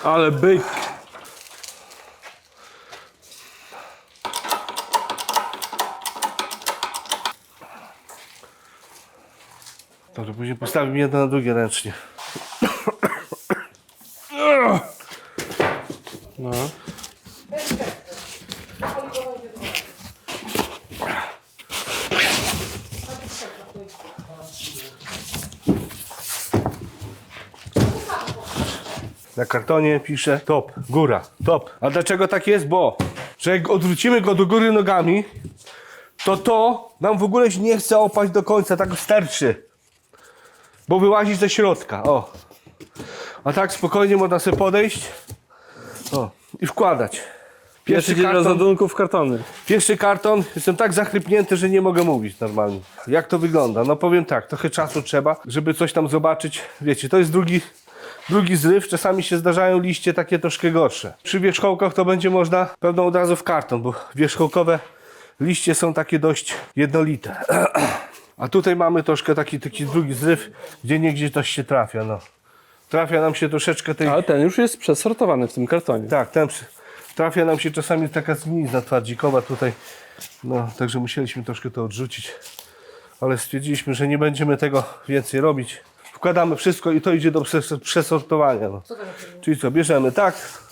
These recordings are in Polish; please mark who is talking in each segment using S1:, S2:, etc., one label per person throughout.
S1: Ale byk.
S2: Dobrze, później postawimy jedno na drugie ręcznie.
S1: No.
S2: Na kartonie pisze top, góra, top. A dlaczego tak jest? Bo, że jak odwrócimy go do góry nogami, to nam w ogóle się nie chce opaść do końca, tak sterczy. Bo wyłazi ze środka, o. A tak spokojnie można sobie podejść, o, i wkładać.
S1: Pierwszy dzień rozładunków kartony.
S2: Pierwszy karton, jestem tak zachrypnięty, że nie mogę mówić normalnie. Jak to wygląda? No powiem tak, trochę czasu trzeba, żeby coś tam zobaczyć. Wiecie, to jest drugi zryw, czasami się zdarzają liście takie troszkę gorsze. Przy wierzchołkach to będzie można pewno od razu w karton, bo wierzchołkowe liście są takie dość jednolite. A tutaj mamy troszkę taki drugi zryw, gdzie niegdzie coś się trafia, no. Trafia nam się troszeczkę tej...
S1: Ale ten już jest przesortowany w tym kartonie.
S2: Tak, trafia nam się czasami taka zgnilizna twardzikowa tutaj, no, także musieliśmy troszkę to odrzucić, ale stwierdziliśmy, że nie będziemy tego więcej robić. Wkładamy wszystko i to idzie do przesortowania. No. Czyli co, bierzemy tak,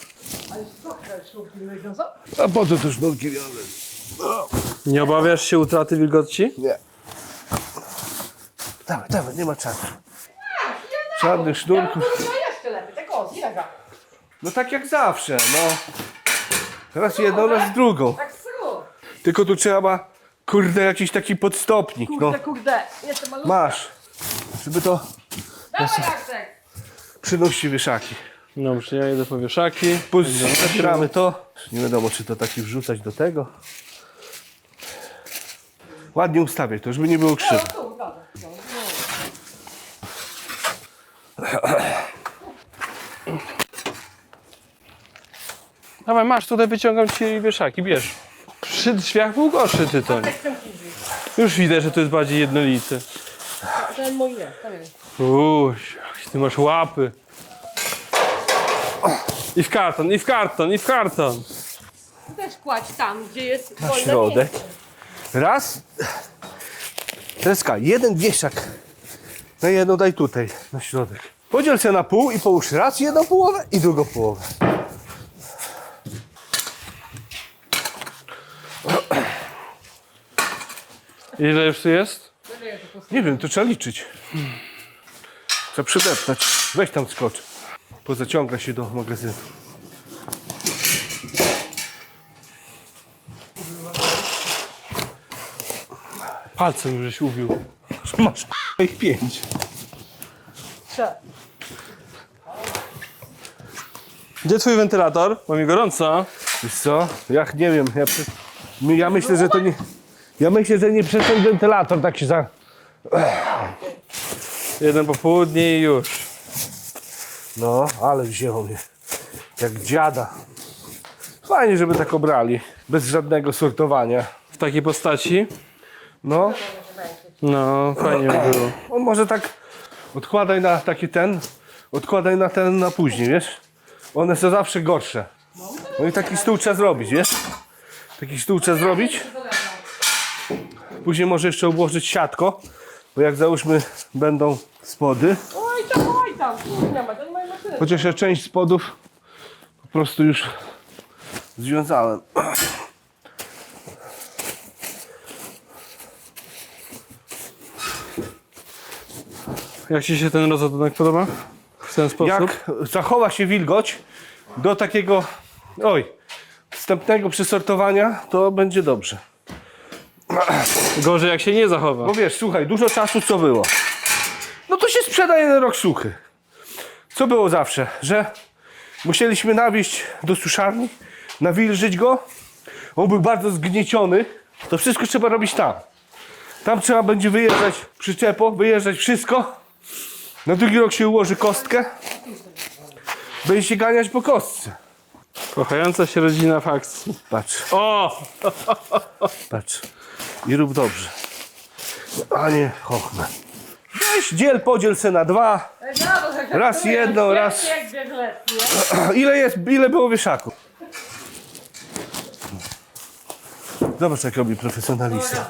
S2: a po co te sznurki wiąże?
S1: Nie obawiasz się utraty wilgoci?
S2: Nie. Dawaj, nie ma czasu. Żadnych sznurków.
S3: Jeszcze lepiej, tak o, zjega.
S2: No tak jak zawsze, no. Raz jedną, raz drugą.
S3: Tak sru.
S2: Tylko tu trzeba, kurde, jakiś taki podstopnik, no.
S3: Kurde, jestem malutka.
S2: Masz, żeby to
S3: Dawaj, Jacek.
S2: przynosi wieszaki.
S1: Dobrze, ja idę po wieszaki.
S2: Zabieramy to. Nie wiadomo, czy to taki wrzucać do tego. Ładnie ustawiaj to, żeby nie było krzywo.
S3: Tu, dobra.
S1: Dawaj, masz, tutaj wyciągam ci wieszaki, bierz. Przy drzwiach był gorszy tytoń. Już widać, że to jest bardziej jednolity.
S3: Ten mój nie, tam jest.
S1: Uś, jakie ty masz łapy. I w karton, i w karton, i w karton.
S3: Też kładź tam, gdzie jest
S2: Na
S3: wolne
S2: środek.
S3: miejsce.
S2: Raz. Tereska, jeden wieszak. Na jedną daj tutaj, na środek. Podziel się na pół i połóż raz jedną połowę i drugą połowę.
S1: Ile już tu jest?
S2: Nie wiem, to trzeba liczyć. Trzeba przydeptać. Weź tam skocz. Pozaciąga się do magazynu.
S1: Palcem żeś ubił.
S2: Masz ich 5.
S3: Trzeba.
S1: Gdzie twój wentylator? Bo mi gorąco.
S2: Wiesz co? Ja nie wiem. Ja myślę, że to nie... Ja myślę, że nie przez ten wentylator tak się za...
S1: Jeden popołudnie i już.
S2: No, ale wzięło mnie. Jak dziada. Fajnie, żeby tak obrali. Bez żadnego sortowania.
S1: W takiej postaci.
S2: No,
S1: No, fajnie by było.
S2: on może tak... Odkładaj na taki ten. Odkładaj na ten na później, wiesz? One są zawsze gorsze. No i taki stół trzeba zrobić, wiesz? Taki stół trzeba zrobić. Później może jeszcze obłożyć siatko. Bo jak załóżmy będą spody.
S3: Oj tam, kurde, ma, to nie mają maszyny.
S2: Chociaż ja część spodów po prostu już związałem.
S1: Jak ci się ten rozładunek podoba? W ten sposób?
S2: Jak zachowa się wilgoć do takiego wstępnego przesortowania, to będzie dobrze.
S1: Gorzej jak się nie zachowa.
S2: Bo wiesz, słuchaj, dużo czasu co było? No to się sprzeda jeden rok suchy. Co było zawsze? Że musieliśmy nawieźć do suszarni, nawilżyć go. On był bardzo zgnieciony. To wszystko trzeba robić tam. Tam trzeba będzie wyjeżdżać przyczepą, wyjeżdżać wszystko. Na drugi rok się ułoży kostkę. Będzie się ganiać po kostce.
S1: Kochająca się rodzina w akcji.
S2: Patrz,
S1: O!
S2: patrz. I rób dobrze. A nie, chochmę. Weź, podziel se na 2.
S3: Brawo,
S2: Raz jedno, raz...
S3: Jak bieg letni.
S2: Ile było wieszaków? Zobacz, jak robi profesjonalista.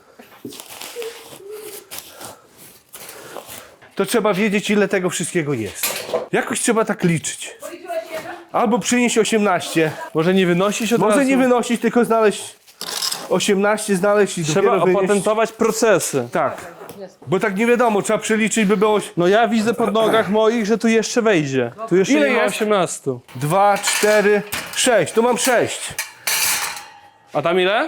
S2: To trzeba wiedzieć, ile tego wszystkiego jest. Jakoś trzeba tak liczyć. Albo przynieść 18.
S1: Może nie wynosić od
S2: Może
S1: razu?
S2: nie wynosić, tylko znaleźć 18, znaleźć i
S1: Trzeba
S2: dopiero wynieść.
S1: opatentować procesy.
S2: Tak. Bo tak nie wiadomo, trzeba przeliczyć, by było
S1: No ja widzę pod nogach moich, że tu jeszcze wejdzie. Tu jeszcze
S2: Ile
S1: nie ma
S2: jest?
S1: 18.
S2: 2, 4, 6. Tu mam 6.
S1: A tam ile?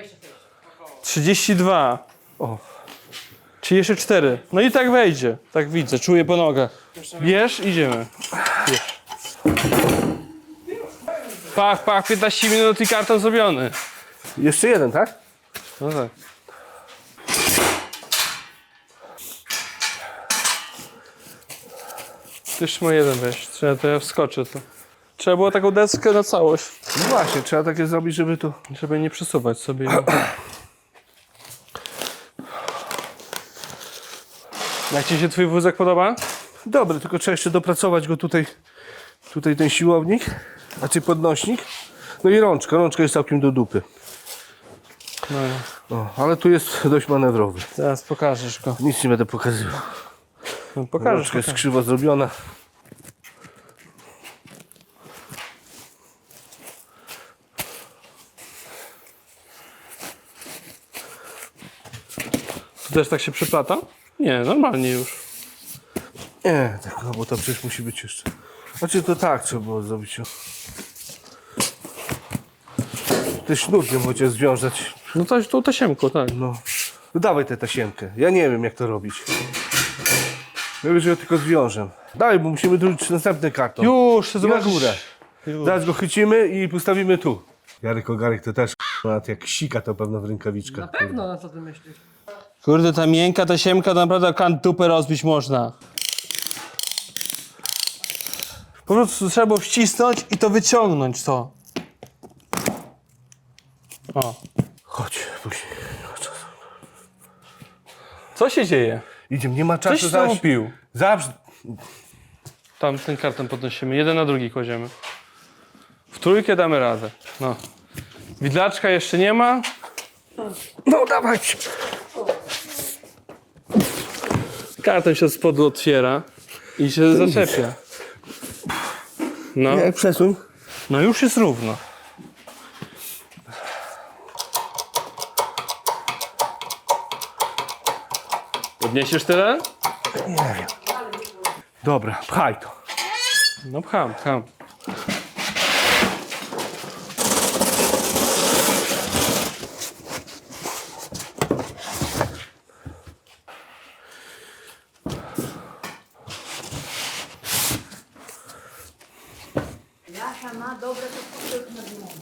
S1: 32.
S2: O.
S1: Czy jeszcze 4? No i tak wejdzie. Tak widzę, czuję po nogach. Bierz, idziemy. Bierz. Pach, 15 minut i karton zrobiony.
S2: Jeszcze jeden, tak?
S1: No tak. Jeszcze ma jeden wejść. To ja wskoczę to. Trzeba było taką deskę na całość,
S2: No właśnie, trzeba takie zrobić, żeby tu...
S1: żeby nie przesuwać sobie. Jak ci się twój wózek podoba?
S2: Dobry, tylko trzeba jeszcze dopracować go tutaj. Tutaj ten siłownik, znaczy podnośnik. No i rączka. Rączka jest całkiem do dupy.
S1: No,
S2: O, ale tu jest dość manewrowy.
S1: zaraz pokażesz go.
S2: Nic nie będę pokazywał.
S1: No, pokażesz
S2: Rączka jest
S1: go.
S2: krzywo zrobiona.
S1: Tu też tak się przeplata? Nie, normalnie już.
S2: Nie, tak, no bo to przecież musi być jeszcze. Znaczy to tak trzeba było zrobić. O. Te sznurkiem chociaż związać.
S1: No to tą tasiemką, tak.
S2: No. No dawaj tę tasiemkę. Ja nie wiem jak to robić. Ja wiem, że ja tylko zwiążę. Daj, bo musimy drużyć następny karton.
S1: Już,
S2: I na
S1: zobaczysz.
S2: górę.
S1: Już.
S2: Zaraz go chycimy i postawimy tu. Jarek Ogarek to też nawet jak sika to pewno w rękawiczkach.
S3: Na pewno, na co ty myślisz?
S1: Kurde, ta miękka tasiemka to naprawdę kant dupę rozbić można. Po prostu trzeba było wcisnąć i to wyciągnąć to. O.
S2: Chodź, później. Nie ma czasu.
S1: Co się dzieje?
S2: Idziemy, nie ma
S1: Coś
S2: czasu.
S1: znowu pił.
S2: Zawsze.
S1: Tam ten karton podnosimy, jeden na drugi kładziemy. W trójkę damy radę. No. Widlaczka jeszcze nie ma.
S2: No dawaj.
S1: Karton się od spodu otwiera i się zaczepia. No,
S2: Jak przesuń.
S1: no już jest równo. Podniesiesz tyle?
S2: Nie wiem. Dobra, pchaj to.
S1: No pcham.
S4: Jasia ma dobre to na dniu.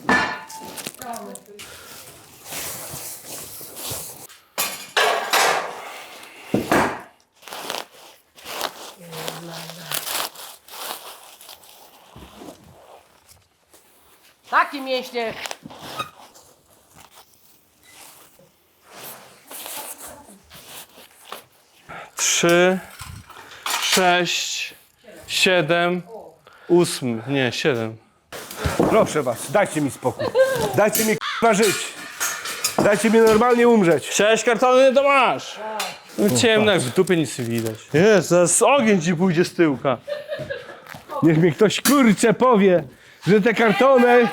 S3: Takie mięśnie.
S1: Trzy, 6, 7, 8. Nie, 7.
S2: Proszę was, dajcie mi spokój. Dajcie mi k***a żyć. Dajcie mi normalnie umrzeć.
S1: Chciałeś kartony, to masz. No, ciemno, jak w dupie nic nie widać. Jest, zaraz ogień ci pójdzie z tyłka.
S2: Niech mi ktoś kurczę powie, że te kartony...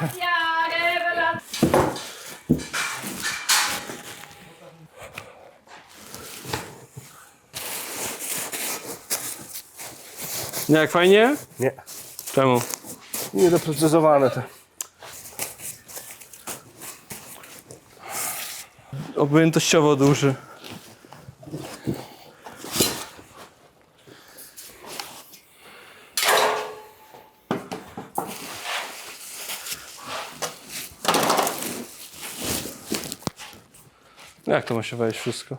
S1: Nie, jak fajnie?
S2: Nie,
S1: Czemu?
S2: niedoprecyzowane te.
S1: Objętościowo duży. Jak to ma się wejść wszystko?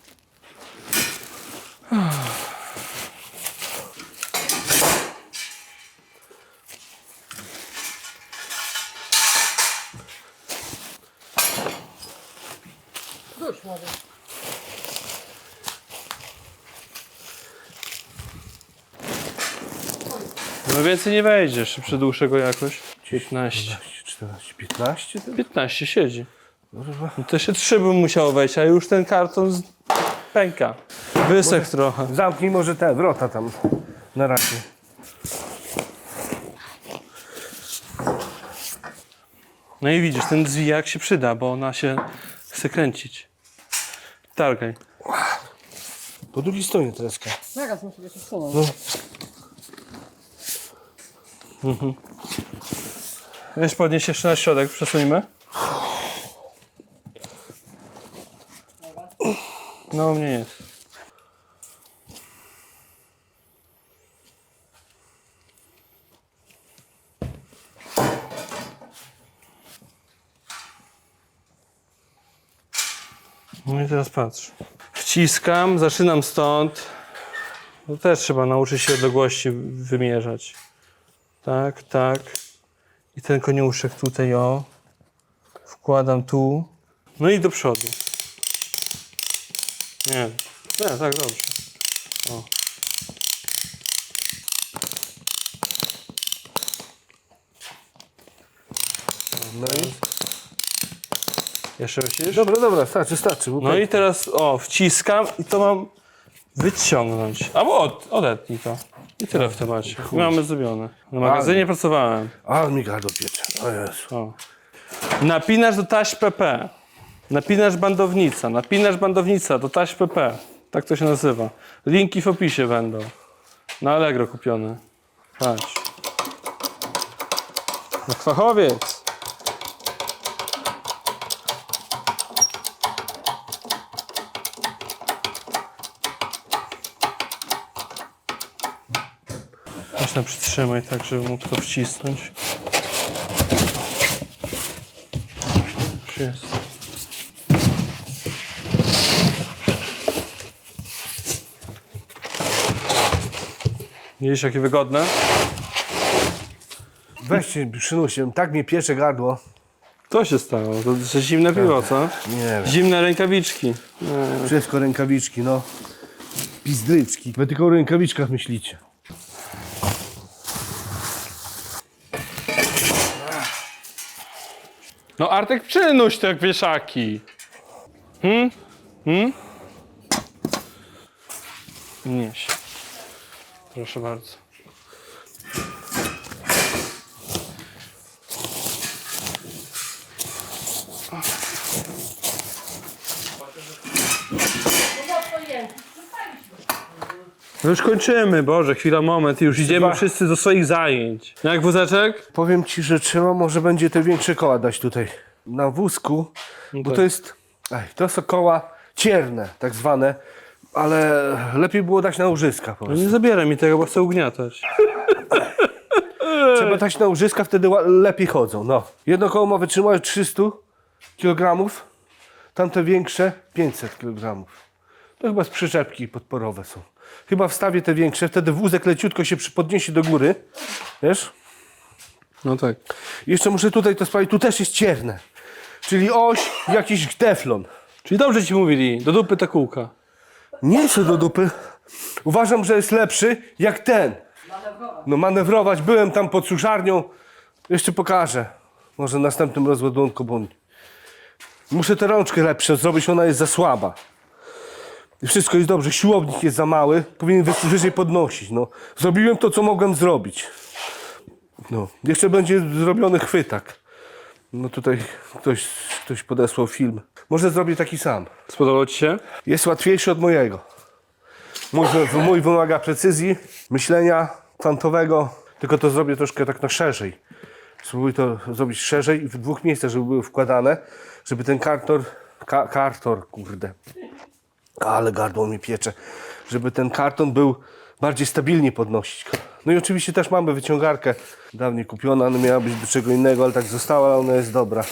S3: Dusz może.
S1: No więcej nie wejdziesz, przy dłuższego jakoś. 15.
S2: 14, 15?
S1: 15 siedzi. No to jeszcze 3 bym musiał wejść, a już ten karton pęka. Wysek trochę.
S2: Zamknij może te wrota tam na razie.
S1: No i widzisz, ten zwijak się przyda, bo ona się chce kręcić. Targaj.
S2: Po drugiej stronie Tereska.
S3: Zaraz muszę się wsunąć.
S2: No.
S1: Weź podnieś jeszcze na środek, przesuńmy. No u mnie jest. No i teraz patrz. Wciskam, zaczynam stąd. No też trzeba nauczyć się odległości wymierzać. Tak, tak. I ten koniuszek tutaj, o. Wkładam tu. No i do przodu. Nie, tak dobrze. O.
S2: No i...
S1: Jeszcze myślisz?
S2: Dobra, starczy. Bo
S1: No i teraz, o, wciskam i to mam wyciągnąć. Albo odetnij to. I tyle w temacie. I mamy zrobione. Na magazynie pracowałem.
S2: A, mi gardło piecze. O Jezu.
S1: O. Napinasz do taśm PP. Napinasz bandownica do taśm PP. Tak to się nazywa. Linki w opisie będą. Na Allegro kupione. Patrz. No fachowiec. Można przytrzymać tak, żeby mógł to wcisnąć. Już jest. Widzisz, jakie wygodne?
S2: Weźcie, przynusie, tak mnie piecze gardło.
S1: Co się stało? To zimne piwo, co?
S2: Nie wiem.
S1: Zimne rękawiczki.
S2: Wszystko rękawiczki, no. Pizdryczki. Wy tylko o rękawiczkach myślicie.
S1: No Artek, przynuś te wieszaki. Nieś. Proszę bardzo. No już kończymy, Boże, chwila, moment i już idziemy wszyscy do swoich zajęć. Jak wózeczek?
S2: Powiem ci, że trzeba może będzie te większe koła dać tutaj. Na wózku, bo
S1: tak.
S2: to jest... to są koła cierne, tak zwane. Ale lepiej było dać na łożyska po
S1: No
S2: prostu.
S1: nie zabieraj mi tego, bo chcę ugniatać.
S2: Trzeba dać na łożyska, wtedy lepiej chodzą, no. Jedno koło ma wytrzymać 300 kg, tamte większe 500 kg. To chyba z przyczepki podporowe są. Chyba wstawię te większe, wtedy wózek leciutko się podniesie do góry, wiesz?
S1: No tak.
S2: Jeszcze muszę tutaj to sprawdzić, tu też jest cierne. Czyli oś, jakiś teflon.
S1: Czyli dobrze ci mówili, do dupy ta kółka.
S2: Nie chcę do dupy. Uważam, że jest lepszy jak ten. No manewrować. Byłem tam pod suszarnią. Jeszcze pokażę. Może w następnym rozładunku, bo muszę tę rączkę lepsze zrobić, ona jest za słaba. I wszystko jest dobrze. Siłownik jest za mały. Powinien wyżej podnosić. No. Zrobiłem to, co mogłem zrobić. No. Jeszcze będzie zrobiony chwytak. No tutaj ktoś podesłał film. Może zrobię taki sam.
S1: Spodobało ci się?
S2: Jest łatwiejszy od mojego. Mój wymaga precyzji, myślenia kwantowego, tylko to zrobię troszkę tak na szerzej. Spróbuję to zrobić szerzej i w dwóch miejscach, żeby były wkładane, żeby ten karton, kurde, ale gardło mi piecze, żeby ten karton był bardziej stabilnie podnosić. No i oczywiście też mamy wyciągarkę, dawniej kupiona, ona miała być do czego innego, ale tak została, ale ona jest dobra.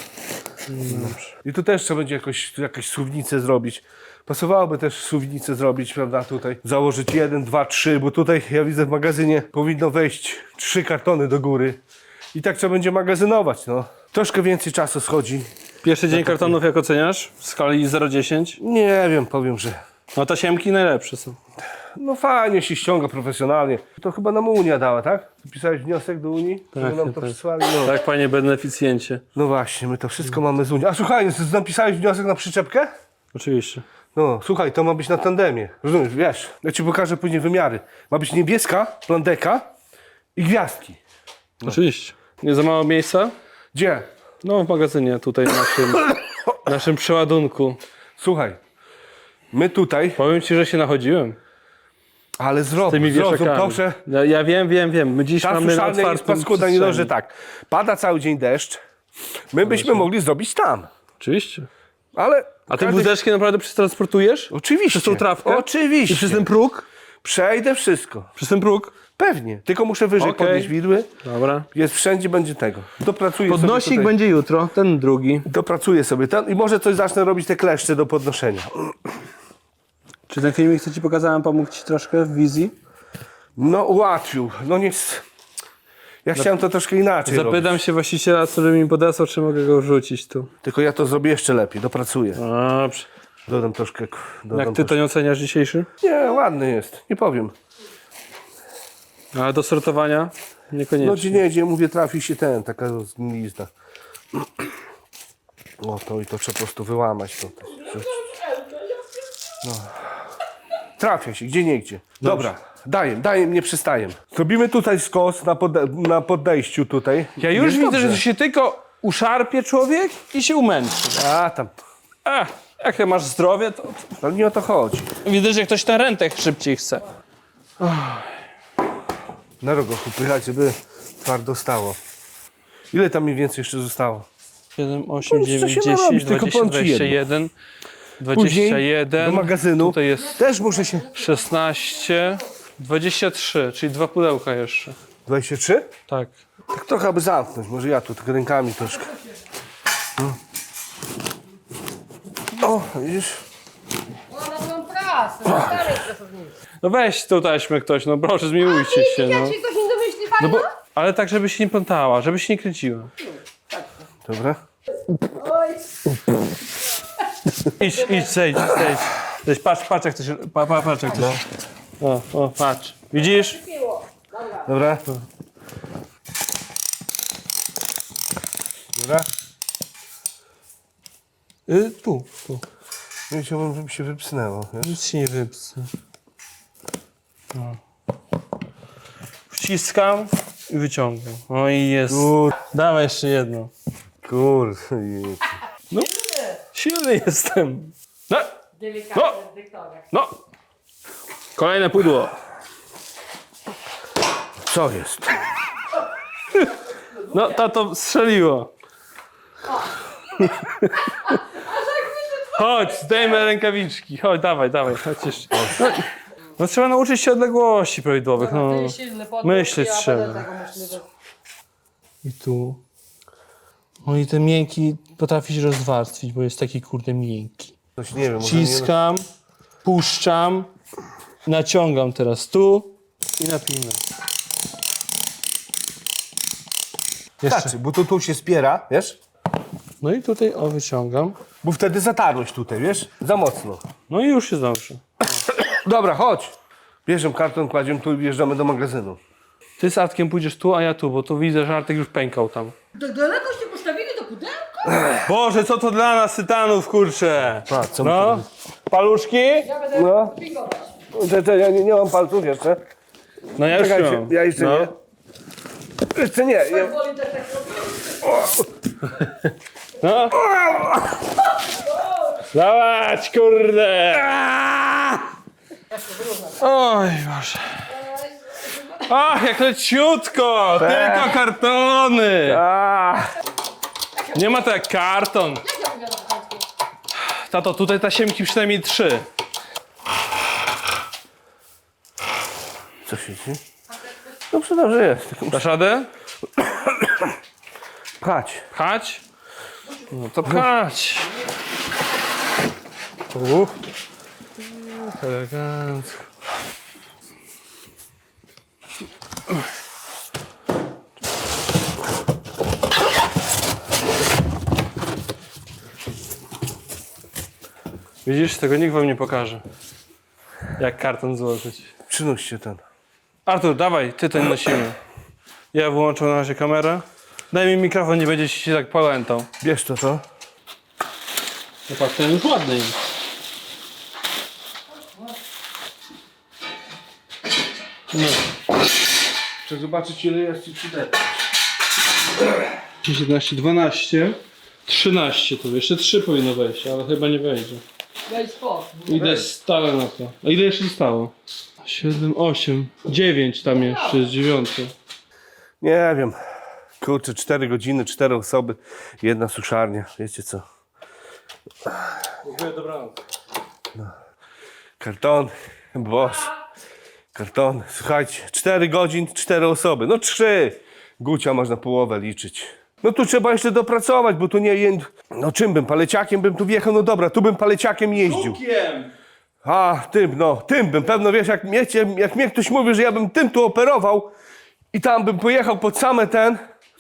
S2: I tu też trzeba będzie jakąś suwnicę zrobić. Pasowałoby też suwnicę zrobić, prawda, tutaj. Założyć 1, 2, 3, bo tutaj ja widzę w magazynie powinno wejść 3 kartony do góry. I tak trzeba będzie magazynować, no. Troszkę więcej czasu schodzi.
S1: Pierwszy dzień kartonów jak oceniasz? W skali 0-10?
S2: Nie wiem, powiem, że
S1: No tasiemki najlepsze są.
S2: No fajnie się ściąga profesjonalnie. To chyba nam Unia dała, tak? Pisałeś wniosek do Unii, żeby nam to
S1: tak.
S2: przysłali? No.
S1: Tak, panie beneficjencie.
S2: No właśnie, my to wszystko mamy z Unii. A słuchaj, napisałeś wniosek na przyczepkę?
S1: Oczywiście.
S2: No, słuchaj, to ma być na tandemie. Rozumiesz, wiesz, ja ci pokażę później wymiary. Ma być niebieska, plandeka i gwiazdki.
S1: Oczywiście. Nie za mało miejsca?
S2: Gdzie?
S1: No, w magazynie tutaj naszym przeładunku.
S2: Słuchaj, my tutaj,
S1: Powiem ci, że się nachodziłem
S2: ale
S1: tymi
S2: zrozum,
S1: wieszakami.
S2: proszę.
S1: Ja wiem. My dziś
S2: Czas
S1: mamy na
S2: szalny jest
S1: otwartym
S2: paskuda, nie dość, że
S1: przestrzeni.
S2: tak. Pada cały dzień deszcz. My byśmy mogli zrobić tam.
S1: Oczywiście.
S2: Ale.
S1: A ty wózeczki naprawdę przetransportujesz?
S2: Oczywiście.
S1: Przez tą trawkę?
S2: Oczywiście.
S1: I przez ten próg?
S2: Przejdę wszystko.
S1: Przez ten próg?
S2: Pewnie. Tylko muszę wyżej
S1: Okej.
S2: podnieść widły.
S1: Dobra.
S2: Jest wszędzie, będzie tego. Dopracuję
S1: Podnosik
S2: sobie tutaj.
S1: będzie jutro, ten drugi.
S2: Dopracuję sobie ten i może coś zacznę robić te kleszcze do podnoszenia.
S1: Czy ten filmik, co ci pokazałem, pomógł ci troszkę w wizji?
S2: No ułatwił. No nie. Ja chciałem to troszkę inaczej robić.
S1: Zapytam się właściciela, który mi podesłał, czy mogę go wrzucić tu.
S2: Tylko ja to zrobię jeszcze lepiej. Dopracuję.
S1: Dobrze.
S2: Dodam troszkę.
S1: Jak ty to nie oceniasz dzisiejszy?
S2: Nie, ładny jest. Nie powiem.
S1: Ale do sortowania?
S2: No
S1: Niekoniecznie.
S2: gdzie nie, gdzie mówię, trafi się taka zgnilizna. O, to i to trzeba po prostu wyłamać. To. No. Trafia się, gdzie niegdzie. Dobra, daję, nie przestaję. Zrobimy tutaj skos na podejściu tutaj.
S1: Ja już
S2: Jest
S1: widzę,
S2: dobrze.
S1: że się tylko uszarpie człowiek i się umęczy.
S2: A, tam.
S1: Jak ty masz zdrowie, to
S2: Ale nie o to chodzi.
S1: widzę, że ktoś na rentę szybciej chce.
S2: Na rogo upychać, żeby twardo stało. Ile tam mniej więcej jeszcze zostało?
S1: 7, 8,
S2: No, co
S1: 9,
S2: się
S1: 10,
S2: narobić, tylko
S1: 20,
S2: powiem ci jedno.
S1: 21,
S2: Później
S1: 21,
S2: do magazynu.
S1: tutaj jest
S2: Też muszę się...
S1: 16, 23, czyli 2 pudełka jeszcze.
S2: 23?
S1: Tak.
S2: Tak trochę aby zamknąć, może ja tu tak rękami troszkę. O, widzisz?
S3: No na tą prasę, na starej pracownicy.
S1: No weź tą taśmę ktoś, no proszę, zmiłujcie się.
S3: Jak
S1: No.
S3: ci ktoś nie domyśli
S1: No
S3: fajna?
S1: bo, ale tak, żeby się nie plątała, żeby się nie kręciła.
S2: Dobra.
S1: Idź, zejdź. Patrz jak to się... Patrz jak to się... O, patrz. Widzisz?
S2: Dobra. Dobra.
S1: Tu.
S2: Nie chciałbym, żeby się wypsnęło. Wiesz?
S1: Nic się nie wypsy. No. Wciskam i wyciągam. O i jest. Dawaj jeszcze jedno.
S2: Kurde.
S1: No, silny jestem. No,
S3: Delikatny dyktorek.
S1: no. Kolejne pudło.
S2: Co jest?
S1: No, tato strzeliło. Chodź, zdejmę rękawiczki. Chodź, dawaj, chodź jeszcze. No trzeba nauczyć się odległości prawidłowych. No.
S3: Ty silny podróż,
S1: Myśleć
S3: ja
S1: trzeba.
S3: będę tego myśliwy.
S1: I tu. No i ten miękki potrafi się rozwarstwić, bo jest taki kurde miękki.
S2: Coś nie wiem. może nie...
S1: Ciskam, puszczam, naciągam teraz tu i napinam. Jeszcze.
S2: Znaczy, bo to tu się spiera, wiesz?
S1: No i tutaj wyciągam.
S2: Bo wtedy zatarłeś tutaj, wiesz? Za mocno.
S1: No i już jest dobrze.
S2: Dobra, chodź. Bierzemy karton, kładziemy tu i wjeżdżamy do magazynu.
S1: Ty z Artkiem pójdziesz tu, a ja tu, bo tu widzę, że Artek już pękał tam.
S3: Tak daleko się postawili do pudełka?
S1: Boże, co to dla nas tytanów, kurczę!
S2: A, co
S1: No, paluszki?
S3: Ja będę
S2: No.
S3: pingować.
S2: Ja nie mam palców jeszcze.
S1: No ja już
S2: Czekajcie,
S1: mam.
S2: ja jeszcze
S1: no.
S2: nie. Jeszcze nie.
S3: Woli też tak robić.
S1: No. Dawać, kurde! Oj, Boże. Ach, jak leciutko! Tylko kartony! Nie ma to jak karton. Tato, tutaj tasiemki przynajmniej 3.
S2: Co się dzieje? Dobrze, dobrze jest.
S1: Dasz radę?
S2: Pchać.
S1: Pchać? No to pchać. Elegancko. Widzisz, tego nikt wam nie pokaże. Jak karton złożyć.
S2: Przynoście ten.
S1: Artur, dawaj, ty ten nosimy. Ja wyłączę na razie kamerę. Daj mi mikrofon, nie będzie się tak pałętał.
S2: Bierz to, co?
S1: No patrz, ten już ładny jest. No.
S2: Chcę zobaczyć, ile jest ci przydatne.
S1: 11, 12, 13 to jeszcze 3 powinno wejść, ale chyba nie wejdzie.
S3: Daj spokój.
S1: Idę stale na to. A ile jeszcze zostało? 7, 8, 9 tam jeszcze jest 9.
S2: Nie wiem. Kurczę, 4 godziny, 4 osoby, 1 suszarnia. Wiecie co?
S1: Dziękuję, dobranoc.
S2: Karton, boss. Karton. Słuchajcie, 4 godzin, 4 osoby. No 3. Gucia można połowę liczyć. No tu trzeba jeszcze dopracować, bo tu nie... No czym bym? Paleciakiem bym tu wjechał? No dobra, tu bym paleciakiem jeździł. A, tym bym. Pewno wiesz, jak mnie ktoś mówi, że ja bym tym tu operował i tam bym pojechał pod same ten...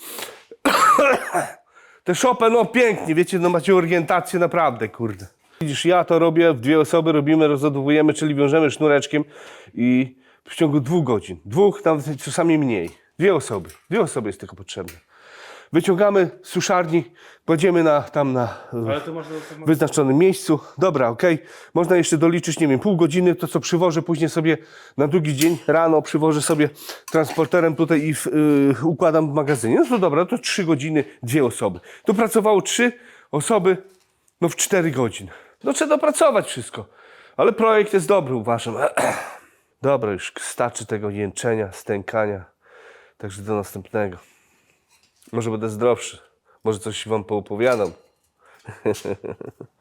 S2: Te szopę, no pięknie, wiecie, no macie orientację naprawdę, kurde. Widzisz, ja to robię, w 2 osoby robimy, rozładowujemy, czyli wiążemy sznureczkiem i w ciągu 2 godzin. 2, nawet czasami mniej. 2 osoby. 2 osoby jest tylko potrzebne. Wyciągamy z suszarni, kładziemy na
S1: Ale to można
S2: wyznaczonym miejscu. Dobra, okej. Można jeszcze doliczyć, nie wiem, pół godziny, to co przywożę później sobie na drugi dzień rano, przywożę sobie transporterem tutaj i układam w magazynie. No to dobra, to 3 godziny, 2 osoby. Tu pracowało 3 osoby, no w 4 godziny. No trzeba dopracować wszystko. Ale projekt jest dobry, uważam. Dobra, już starczy tego jęczenia, stękania. Także do następnego. Może będę zdrowszy. Może coś wam poopowiadam.